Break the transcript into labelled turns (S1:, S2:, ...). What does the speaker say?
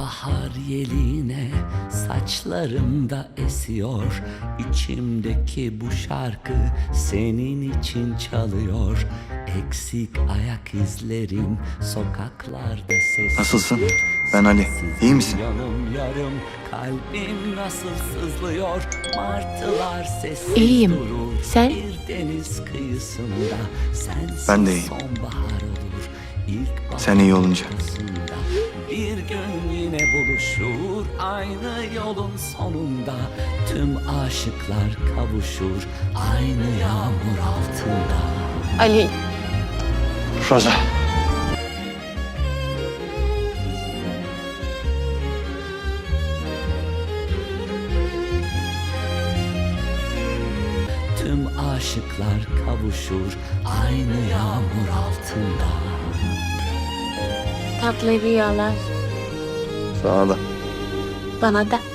S1: bahar yeline saçlarımda esiyor. İçimdeki bu şarkı senin için çalıyor. Eksik ayak izlerim sokaklarda sesli.
S2: Nasılsın? Ben Ali. İyi misin?
S1: Yanım yarım kalbim nasıl sızlıyor. Martılar sessiz
S3: İyiyim.
S1: durur.
S3: Sen?
S1: Bir deniz kıyısında sensiz
S2: Ben de iyiyim.
S1: sonbahar olur. İlk
S2: Sen iyi olunca.
S1: ortasında bir gün yine buluşur aynı yolun sonunda. Tüm aşıklar kavuşur aynı yağmur altında.
S3: Ali,
S2: Roza.
S1: Tüm aşıklar kavuşur aynı yağmur altında.
S3: tatlı rüyalar
S2: Sana da.
S3: bana da.